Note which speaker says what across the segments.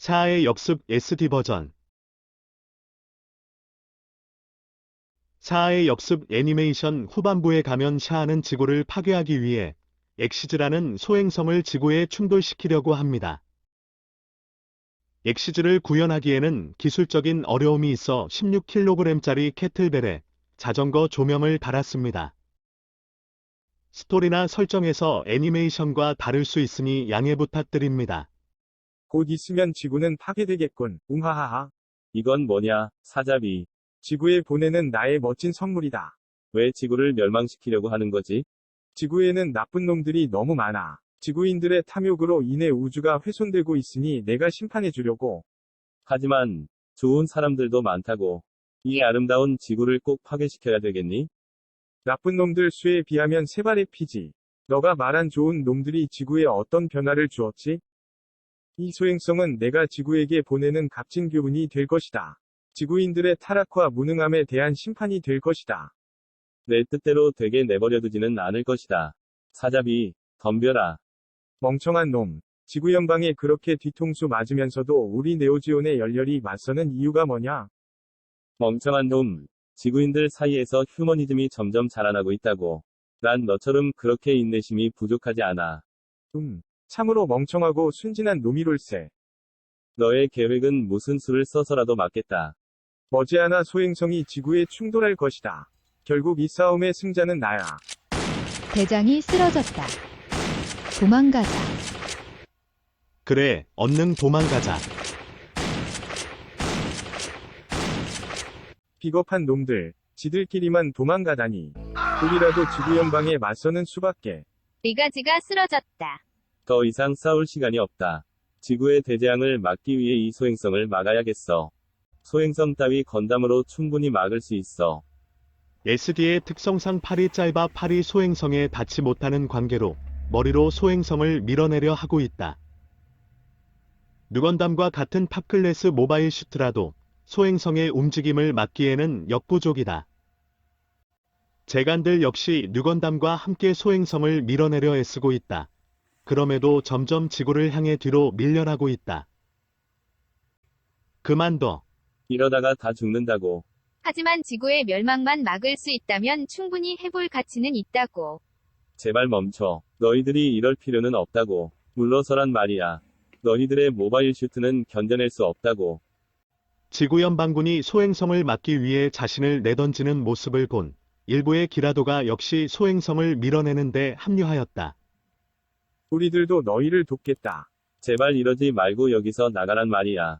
Speaker 1: 샤아의 역습 SD 버전. 샤아의 역습 애니메이션 후반부에 가면 샤아는 지구를 파괴하기 위해 엑시즈라는 소행성을 지구에 충돌시키려고 합니다. 엑시즈를 구현하기에는 기술적인 어려움이 있어 16kg짜리 캐틀벨에 자전거 조명을 달았습니다. 스토리나 설정에서 애니메이션과 다를 수 있으니 양해 부탁드립니다.
Speaker 2: 곧 있으면 지구는 파괴되겠군. 웅하하하.
Speaker 3: 이건 뭐냐, 사자비.
Speaker 2: 지구에 보내는 나의 멋진 선물이다.
Speaker 3: 왜 지구를 멸망시키려고 하는 거지?
Speaker 2: 지구에는 나쁜 놈들이 너무 많아. 지구인들의 탐욕으로 인해 우주가 훼손되고 있으니 내가 심판해 주려고.
Speaker 3: 하지만, 좋은 사람들도 많다고. 이 아름다운 지구를 꼭 파괴시켜야 되겠니?
Speaker 2: 나쁜 놈들 수에 비하면 세 발의 피지. 너가 말한 좋은 놈들이 지구에 어떤 변화를 주었지? 이 소행성은 내가 지구에게 보내는 값진 교훈이 될 것이다. 지구인들의 타락과 무능함에 대한 심판이 될 것이다.
Speaker 3: 내 뜻대로 되게 내버려두지는 않을 것이다. 사자비, 덤벼라.
Speaker 2: 멍청한 놈. 지구 연방에 그렇게 뒤통수 맞으면서도 우리 네오지온에 열렬히 맞서는 이유가 뭐냐?
Speaker 3: 멍청한 놈. 지구인들 사이에서 휴머니즘이 점점 자라나고 있다고. 난 너처럼 그렇게 인내심이 부족하지 않아.
Speaker 2: 참으로 멍청하고 순진한 놈이롤세.
Speaker 3: 너의 계획은 무슨 수를 써서라도 막겠다.
Speaker 2: 머지않아 소행성이 지구에 충돌할 것이다. 결국 이 싸움의 승자는 나야.
Speaker 4: 대장이 쓰러졌다. 도망가자.
Speaker 1: 그래, 얼른 도망가자.
Speaker 2: 비겁한 놈들. 지들끼리만 도망가다니. 우리라도 지구 연방에 맞서는 수밖에.
Speaker 4: 리가지가 쓰러졌다.
Speaker 3: 더 이상 싸울 시간이 없다. 지구의 대재앙을 막기 위해 이 소행성을 막아야겠어. 소행성 따위 건담으로 충분히 막을 수 있어.
Speaker 1: SD의 특성상 팔이 짧아 팔이 소행성에 닿지 못하는 관계로 머리로 소행성을 밀어내려 하고 있다. 누건담과 같은 탑클래스 모바일 슈트라도 소행성의 움직임을 막기에는 역부족이다. 제간들 역시 누건담과 함께 소행성을 밀어내려 애쓰고 있다. 그럼에도 점점 지구를 향해 뒤로 밀려나고 있다. 그만둬.
Speaker 3: 이러다가 다 죽는다고.
Speaker 4: 하지만 지구의 멸망만 막을 수 있다면 충분히 해볼 가치는 있다고.
Speaker 3: 제발 멈춰. 너희들이 이럴 필요는 없다고. 물러서란 말이야. 너희들의 모바일 슈트는 견뎌낼 수 없다고.
Speaker 1: 지구연방군이 소행성을 막기 위해 자신을 내던지는 모습을 본 일부의 기라도가 역시 소행성을 밀어내는 데 합류하였다.
Speaker 2: 우리들도 너희를 돕겠다.
Speaker 3: 제발 이러지 말고 여기서 나가란 말이야.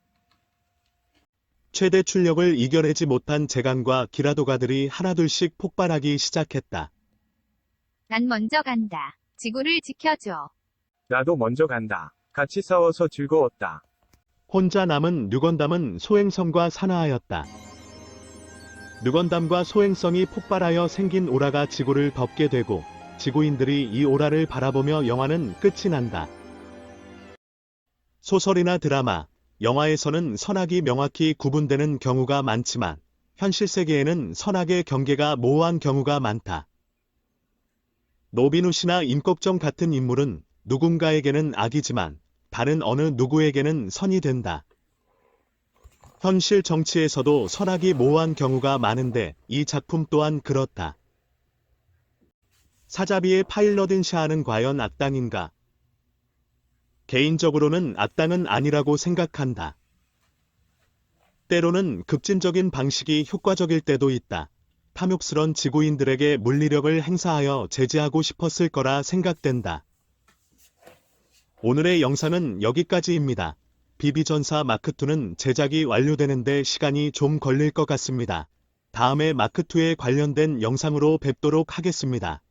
Speaker 1: 최대 출력을 이겨내지 못한 제간과 기라도가들이 하나둘씩 폭발하기 시작했다.
Speaker 4: 난 먼저 간다. 지구를 지켜줘.
Speaker 2: 나도 먼저 간다. 같이 싸워서 즐거웠다.
Speaker 1: 혼자 남은 누건담은 소행성과 산화하였다. 누건담과 소행성이 폭발하여 생긴 오라가 지구를 덮게 되고 지구인들이 이 오라를 바라보며 영화는 끝이 난다. 소설이나 드라마, 영화에서는 선악이 명확히 구분되는 경우가 많지만 현실 세계에는 선악의 경계가 모호한 경우가 많다. 노비누시나 임꺽정 같은 인물은 누군가에게는 악이지만 다른 어느 누구에게는 선이 된다. 현실 정치에서도 선악이 모호한 경우가 많은데 이 작품 또한 그렇다. 사자비의 파일럿인 샤아는 과연 악당인가? 개인적으로는 악당은 아니라고 생각한다. 때로는 급진적인 방식이 효과적일 때도 있다. 탐욕스런 지구인들에게 물리력을 행사하여 제지하고 싶었을 거라 생각된다. 오늘의 영상은 여기까지입니다. 비비전사 마크2는 제작이 완료되는데 시간이 좀 걸릴 것 같습니다. 다음에 마크2에 관련된 영상으로 뵙도록 하겠습니다.